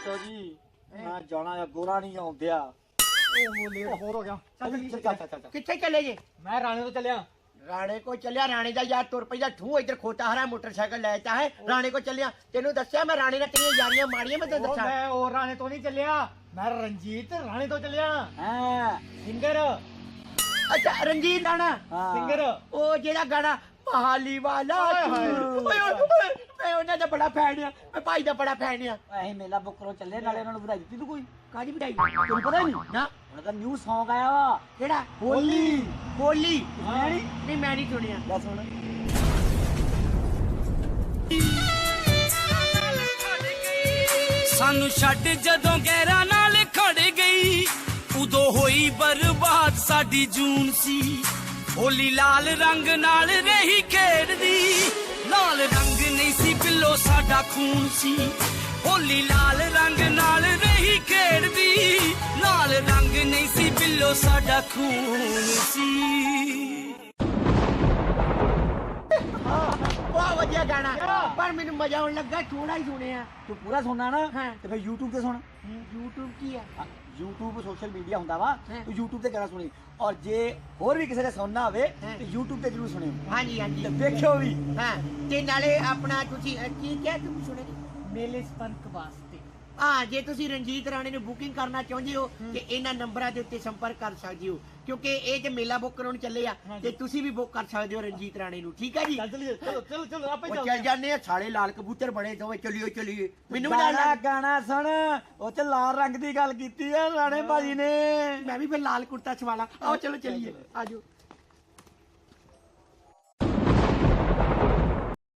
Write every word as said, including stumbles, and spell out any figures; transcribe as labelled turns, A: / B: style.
A: ਦੱਸੋ ਜੀ ਮੈਂ ਜਾਣਾ ਗੋਰਾ ਨਹੀਂ ਆਉਂਦਿਆ
B: ਉਹ ਲੇਟ ਹੋਰ ਹੋ ਗਿਆ
A: ਚੱਲ ਚੱਲ ਚੱਲ ਚੱਲ
C: ਕਿੱਥੇ ਚੱਲੇ ਜੇ?
B: ਮੈਂ ਰਾਣੇ ਤੋਂ ਚੱਲਿਆ
C: ਰਾਣੇ ਕੋ ਚੱਲਿਆ। ਰਾਣੇ ਦਾ ਯਾਰ ਤੁਰ ਪਈਦਾ ਠੂ ਇੱਧਰ ਖੋਤਾ ਹਰਾ ਮੋਟਰਸਾਈਕਲ ਲੈ ਤਾ ਹੈ ਰਾਣੇ ਕੋ ਚੱਲਿਆ। ਤੈਨੂੰ ਦੱਸਿਆ ਮੈਂ ਰਾਣੇ ਨਾਲ ਤੇਰੀਆਂ ਯਾਰੀਆਂ ਮਾੜੀਆਂ ਮੈਂ ਤੈਨੂੰ
B: ਉਹ
C: ਦੱਸਾਂ।
B: ਮੈਂ ਉਹ ਰਾਣੇ ਤੋਂ ਨਹੀਂ ਚੱਲਿਆ, ਮੈਂ ਰਣਜੀਤ ਰਾਣੇ ਤੋਂ ਚੱਲਿਆ।
A: ਹਾਂ
B: ਸਿੰਗਰ
C: ਅੱਛਾ ਰਣਜੀਤ ਰਾਣਾ
A: ਹਾਂ।
B: ਸਿੰਗਰ
C: ਉਹ ਜਿਹੜਾ ਗਾਣਾ ਮਹਾਲੀ ਵਾਲਾ
B: ਹਾਏ ਹਾਏ।
C: ਓਏ ਓਏ ਓਏ, ਮੈਂ ਉਹਨਾਂ ਦਾ ਬੜਾ ਫੈਨ ਆ, ਮੈਂ ਭਾਈ ਦਾ ਬੜਾ ਫੈਨ ਆ।
A: ਅਸੀਂ ਮੇਲਾ ਬੁੱਕ ਕਰੋ ਚੱਲੇ ਨਾਲੇ ਉਹਨਾਂ ਨੂੰ ਵਧਾਈ ਦਿੱਤੀ ਤੂੰ ਕੋਈ
C: ਕਾਹਦੀ ਵਧਾਈ?
A: ਤੈਨੂੰ ਪਤਾ ਹੀ ਨਹੀਂ
C: ਨਾ
A: ਉਹਨਾਂ ਦਾ ਨਿਊ Song ਆਇਆ ਵਾ
C: ਕਿਹੜਾ?
A: ਹੋਲੀ
C: ਹੋਲੀ?
A: ਸੁਣਿਆ ਨੀ?
C: ਨਹੀਂ ਮੈਂ ਨਹੀਂ ਸੁਣਿਆ।
A: ਲੈ ਸੁਣ
D: ਸਾਨੂੰ ਛੱਡ ਜਦੋਂ ਗਹਿਰਾ ਨਾਲ ਖੜ ਗਈ ਉਦੋਂ ਹੋਈ ਬਰਬਾਦ ਸਾਡੀ ਜੂਨ ਸੀ। ਹੋਲੀ ਲਾਲ ਰੰਗ ਨਾਲ ਰਹੀ ਖੇਡਦੀ, ਲਾਲ ਰੰਗ ਨਹੀਂ ਸੀ ਬਿੱਲੋ ਸਾਡਾ ਖੂਨ ਸੀ। ਹੋਲੀ ਲਾਲ ਰੰਗ ਨਾਲ ਰਹੀ ਖੇਡਦੀ, ਲਾਲ ਰੰਗ ਨਹੀਂ ਸੀ ਬਿੱਲੋ ਸਾਡਾ ਖੂਨ ਸੀ।
C: ਬਹੁਤ ਵਧੀਆ ਗਾਣਾ ਪਰ ਮੈਨੂੰ ਮਜ਼ਾ ਆਉਣ ਲੱਗਾ ਥੋੜਾ ਹੀ ਸੁਣਿਆ।
A: ਤੂੰ ਪੂਰਾ ਸੁਣਨਾ ਨਾ
C: ਹਾਂ।
A: ਤੇ ਫਿਰ YouTube ਤੇ ਸੁਣ।
C: YouTube ਕੀ ਆ?
A: YouTube ਸੋਸ਼ਲ ਮੀਡੀਆ ਹੁੰਦਾ ਵਾ
C: ਹਾਂ।
A: ਤੂੰ YouTube ਤੇ ਗਾਣਾ ਸੁਣੀ ਔਰ ਜੇ ਹੋਰ ਵੀ ਕਿਸੇ ਨੇ ਸੁਣਨਾ ਹੋਵੇ
C: ਹਾਂ।
A: ਤੇ YouTube ਤੇ ਜਰੂਰ ਸੁਣਿਓ
C: ਹਾਂਜੀ ਹਾਂਜੀ
A: ਤੇ ਵੇਖਿਓ ਵੀ।
C: ਹਾਂ ਤੇ ਨਾਲੇ ਆਪਣਾ ਤੁਸੀਂ ਅ, ਕੀ ਕਿਹਾ ਤੁਸੀਂ ਸੁਣੇ
B: ਮੇਲੇ ਸਪੰਕ ਵਾਸਤੇ।
C: ਹਾਂ ਜੇ ਤੁਸੀਂ ਰਣਜੀਤ ਰਾਣੇ ਨੂੰ ਬੁਕਿੰਗ ਕਰਨਾ ਚਾਹੁੰਦੇ ਹੋ ਤੇ ਇਹਨਾਂ ਨੰਬਰਾਂ ਦੇ ਉੱਤੇ ਸੰਪਰਕ ਕਰ ਸਕਦੇ ਹੋ ਕਿਉਂਕਿ ਇਹ ਜੇ ਮੇਲਾ ਬੁੱਕ ਕਰਾਉਣ ਚੱਲੇ ਆ ਤੇ ਤੁਸੀਂ ਵੀ ਬੁੱਕ ਕਰ ਸਕਦੇ ਹੋ ਰਣਜੀਤ ਰਾਣੇ ਨੂੰ। ਠੀਕ ਹੈ ਜੀ?
B: ਚੱਲ ਚਲੀਏ, ਚਲੋ ਚਲੋ ਚਲੋ ਆਪੇ
C: ਉਹ
B: ਚੱਲ
C: ਚੱਲ ਜਾਂਦੇ ਆ ਸਾਲੇ ਲਾਲ ਕਬੂਤਰ ਬਣੇ ਦੋਵੇਂ ਚਲਿਓ ਚਲਿਏ ਮੈਨੂੰ ਵੀ ਨਾਲ
A: ਗਾਣਾ
C: ਲੈ।
A: ਗਾਣਾ ਸੁਣ ਉਹ ਚ ਲਾਲ ਰੰਗ ਦੀ ਗੱਲ ਕੀਤੀ ਆ ਰਾਣੇ ਭਾਜੀ ਨੇ।
C: ਮੈਂ ਵੀ ਫਿਰ ਲਾਲ ਕੁੜਤਾ ਸਵਾਲਾ ਆਓ ਚਲੋ ਚਲਿਏ ਆਜੋ।